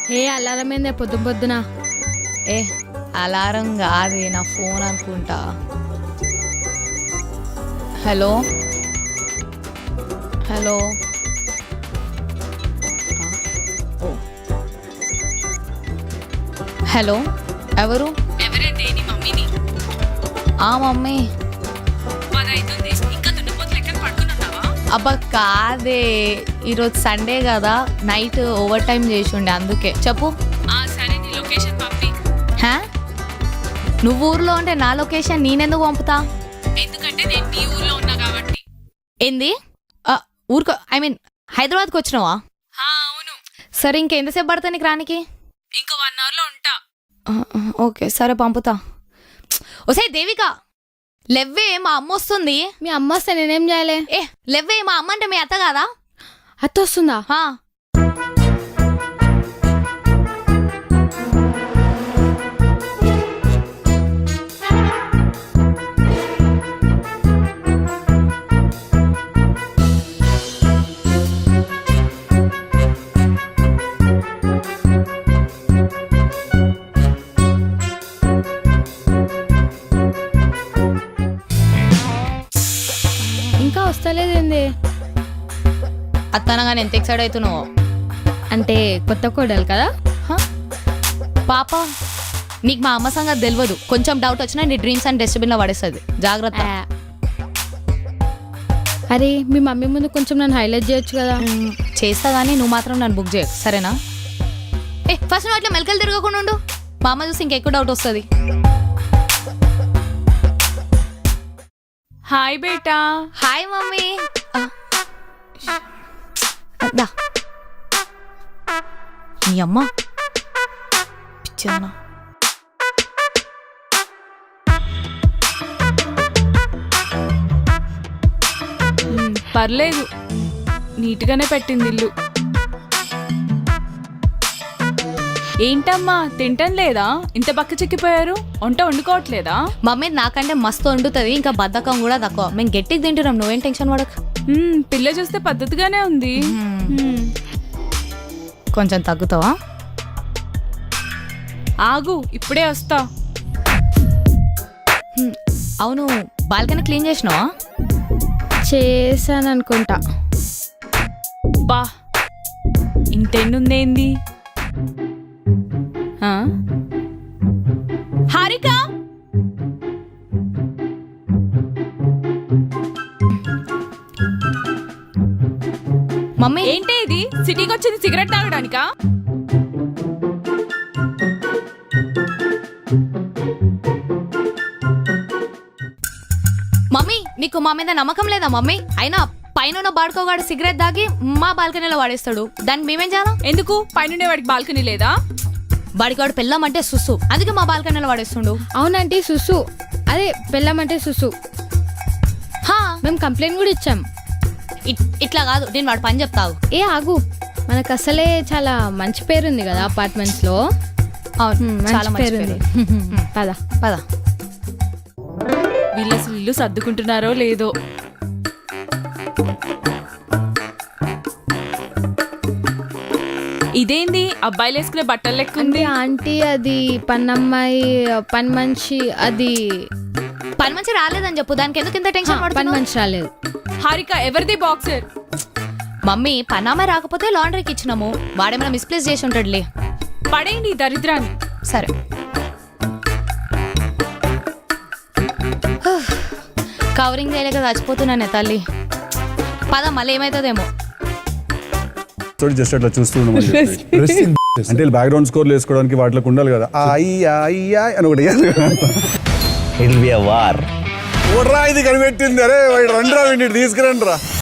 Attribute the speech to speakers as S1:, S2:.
S1: ఏ alarm ఏందే పొద్దు పొద్దున?
S2: ఏ అలారం కాదే, నా ఫోన్ అనుకుంటా. హలో హలో హలో ఎవరు?
S3: ఎవరంటే నీ మమ్మీని.
S2: ఆ మమ్మీ.
S3: 10 అవుతుంది, ఇంకా దున్నపోతులు ఎక్కడ పడుకున్నావా?
S2: అబ్బా కాదే, ఈరోజు సండే కదా, నైట్ ఓవర్ టైం చేసి ఉండే అందుకే. చెప్పు.
S3: సరే, నీ లొకేషన్ పంపి.
S2: హా, నువ్వు ఊర్లో ఉంటే నా లొకేషన్ నేనెందుకు పంపుతా?
S3: ఎందుకంటే నేను నీ ఊర్లో ఉన్నా కాబట్టి.
S2: ఏంది? ఊరుకో, ఐ మీన్ హైదరాబాద్కి వచ్చినావా?
S3: అవును.
S2: సరే, ఇంకెంతసేపు పడతా నీకు రానికి?
S3: ఇంకో 1 hour లో ఉంటా.
S2: ఓకే సరే, పంపుతా. ఓసే దేవిక, లెవ్వే, మా అమ్మ వస్తుంది.
S1: మీ అమ్మ వస్తే నేనేం చేయాలి?
S2: ఏ లెవ్వే, మా అమ్మ అంటే మీ అత్త కాదా?
S1: అత్త వస్తుందా? ఇంకా వస్తలేదేంది?
S2: అత్తనగానే ఎంత ఎక్సైడ్ అవుతున్నావు?
S1: అంటే కొత్త కోడలు కదా.
S2: పాప, నీకు మా అమ్మ సంగతి తెలియదు. కొంచెం డౌట్ వచ్చినా నీ డ్రీమ్స్ అండ్ డస్ట్బిన్లో పడేస్తుంది, జాగ్రత్త.
S1: అరే, మీ మమ్మీ ముందు కొంచెం నన్ను హైలైట్ చేయొచ్చు కదా.
S2: చేస్తా కానీ నువ్వు మాత్రం నన్ను బుక్ చేయకు, సరేనా? ఫస్ట్ నువ్వు అట్లా మెలకలు తిరగకుండా ఉండు. మా అమ్మ చూసి ఇంకెక్కువ డౌట్ వస్తుంది.
S3: హాయ్ బేటా.
S2: Hi mummy. దా నీ అమ్మ పిచ్చనా.
S3: పర్లేదు, నీట్గానే పెట్టింది ఇల్లు. ఏంటమ్మా, తింటం లేదా? ఇంత బక్క చిక్కిపోయారు, వంట వండుకోవట్లేదా?
S2: మమ్మీ నాకంటే మస్తు వండుతుంది, ఇంకా బద్ధకం కూడా తక్కువ. మేము గట్టికి తింటున్నాం, నువ్వేం టెన్షన్ పడక.
S3: పిల్ల చూస్తే పద్ధతిగానే ఉంది.
S2: కొంచెం తగ్గుతావా?
S3: ఆగు, ఇప్పుడే వస్తా.
S2: అవును, బాల్కనీ క్లీన్ చేసినావా?
S1: చేశాను అనుకుంటా.
S3: బా, ఇంతెన్నుందేంది? హారిక,
S2: మమ్మీ
S3: ఏంటి ఇది? సిటీకి వచ్చింది సిగరెట్ తాగడానికా?
S2: మమ్మీ నీకు మా మీద నమ్మకం లేదా మమ్మీ? అయినా పైన బాడుకోగాడు సిగరెట్ దాగి మా బాల్కనీలో వాడేస్తాడు, దానికి మేమేం చేయాలా?
S3: ఎందుకు? పైనుండే వాడికి బాల్కనీ లేదా?
S2: బాడికాడు పెళ్ళం అంటే సుస్సు, అందుకే మా బాల్కనీలో వాడేస్తుండు.
S1: అవునంటే సుసు, అదే పెళ్ళమంటే సుసు. మేము కంప్లైంట్ కూడా ఇచ్చాం.
S2: ఇట్లా కాదు, నేను వాడు పని చెప్తావు.
S1: ఏ ఆగు, మనకు అసలే చాలా మంచి పేరుంది కదా అపార్ట్మెంట్స్ లో.
S2: చాలా మంచి పేరుంది.
S1: పద
S2: పద.
S3: వీళ్ళు అసలు ఇల్లు సర్దుకుంటున్నారో లేదో. ఇదేంది అబ్బాయిలు వేసుకునే బట్టలు లెక్క ఉంది?
S1: ఆంటీ అది పన్నమ్మాయి, పని మనిషి. అది
S2: పని మంచి రాలేదని చెప్పు, దానికి ఎందుకు ఇంత టెన్షన్
S1: పని
S2: పడుతున్నావు?
S1: మనిషి రాలేదు.
S3: హారిక, ఎవరిది బాక్సర్?
S2: మమ్మీ పన్నామే రాకపోతే లాండ్రీకి ఇచ్చినాము, వాడేమైనా మిస్ప్లేస్ చేసి ఉంటాడులే.
S3: పడేయండి ఈ దరిద్రాన్ని.
S2: సరే, కవరింగ్ చేయలేక చచ్చిపోతున్నానే తల్లి. పద, మళ్ళీ ఏమవుతుందేమో.
S4: జస్ట్ అట్లా చూస్తూ అంటే బ్యాక్గ్రౌండ్ స్కోర్లు వేసుకోవడానికి వాటిలోకి ఉండాలి కదా. అని ఒకటి
S5: It will be a war.
S4: ఇది కనిపెట్టింది. అరే రండి రా, తీసుకురండి రా.